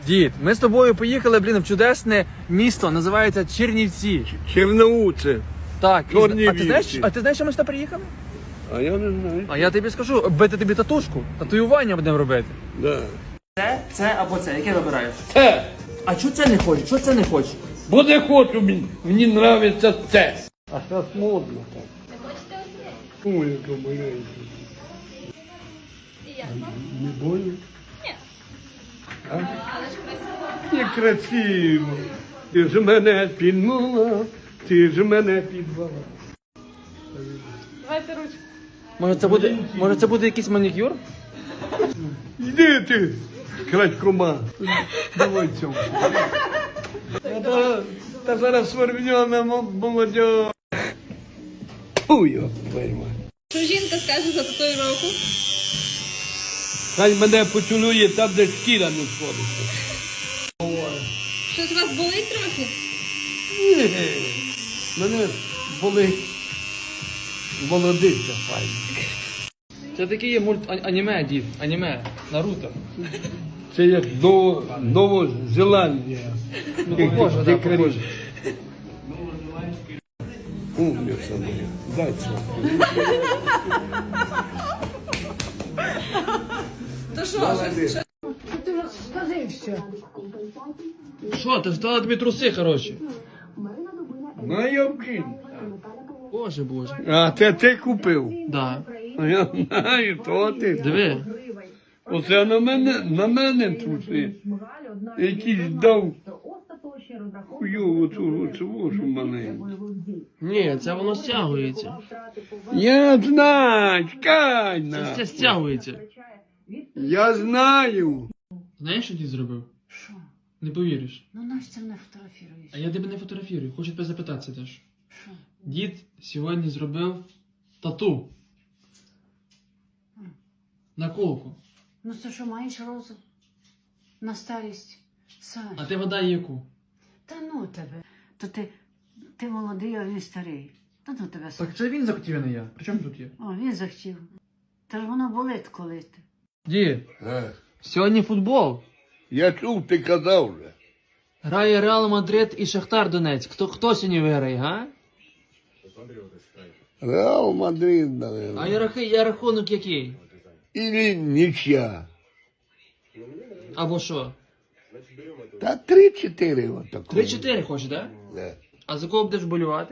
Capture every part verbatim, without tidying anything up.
Дід, ми з тобою поїхали, блін, в чудесне місто, називається Чернівці. Черноуце. Так, і, Чорнівці. а ти знаєш, а ти знаєш, що ми сюди приїхали? А я не знаю. А я тобі скажу, бити тобі татушку, татуювання будемо робити. Да. Це, це або це, яке вибираєш? Це. А чого це не хочеш? Чого це не хочеш? Бо не хочу, мені, мені нравиться це. А зараз модно так. Ой, яка маленька. Не больно? Ні. А? Але ж красиво. Не красиво. Ти ж мене підмала, ти ж мене підвала. Давайте ручку. Може це буде, може це буде якийсь манікюр? Йди ти, крадькома. Давай цьому. Та, та зараз свербньона молодь. Ой, йо, твою мать. Що жінка скаже за татуїровку? Хай мене поцілує там, де шкіра не сходиться. Щось у вас болить трохи? Ні, мене болить молодиця файна. Це такий є мульт а- аніме, дід, аніме, Наруто. Це як Ново, Новозеландія. Ну, похоже, да, похоже. Умниця моя. Дай це. То що? Що? Ти розкажи все. Що, ти ж дала тобі труси, хороші? На Йовкін. Боже, боже. А це ти купив? Да. А я знаю, то ти. Диви. Оце на мене, на мене труси. Якийсь дав хуйову цю оцю маленьку. Ні, це воно стягується. Я знаю, чекай Це, на. це стягується. Я знаю. Знаєш, що дід зробив? Що? Не повіриш. Ну наш це не фотографіруєш. А я тебе не фотографірую, хочу тебе запитатися теж. Що? Дід сьогодні зробив тату. Наколку. Ну це що, маєш розум? На старість? Саш. А ти вода яку? Та ну тебе. То ти, ти молодий, а він старий. Та ну тебе, Саш. Так це він захотів, а не я. При чому тут є? О, він захотів. Та ж воно болить, коли ти. Дід, Е, сьогодні футбол. Я чув, ти казав вже. Грає Реал Мадрид і Шахтар Донецьк. Хто, хто сьогодні виграє, га? Реал Мадрид, А наверное. я, рахи- я рахунок який? Или нічия. Або що? Та три-чотири отако. три-чотири хочеш, так? Да? Да. А за кого будеш болювати?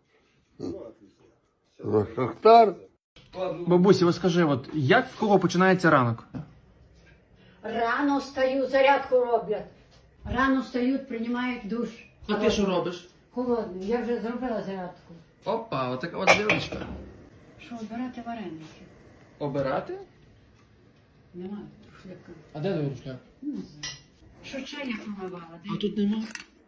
За Шахтар. Бабусі, ось скажи, от як в кого починається ранок? Рано встаю, зарядку роблять. Рано встають, приймають душ. А ти що робиш? Холодний. Я вже зробила зарядку. Опа, отака от дівчинка. Що, обирати вареники? Обирати? Немає шляпка. А де твій рушляк? Не знаю. Що чайник помивала? А тут нема.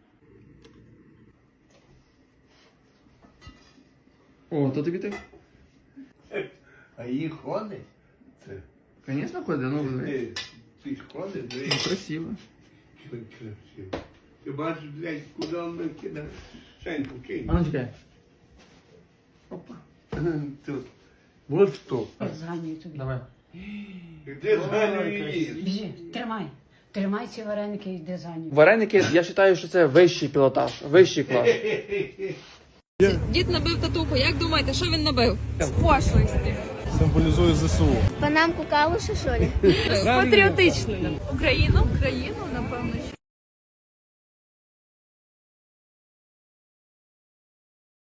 О, то тобі так? А її ходить? Це. Звісно, ходить, ну диви. Ти, ти ж ходиш, Ну, дивись. красиво. Красиво. Ти бачиш, блядь, куди він кидає? Шеньку кинь. А ну чекай. Опа. Тут. Вот що. Зганюю тобі. Давай. Де зганюєш? Біжи, тримай. Тримай ці вареники і йди за ним. Вареники, я вважаю, що це вищий пілотаж, вищий клас. Дід набив татуху. Як думаєте, що він набив? З пошлості. Символізує ЗСУ. Панамку калуші, що ли? Патріотичною. Україну? Країну, напевно,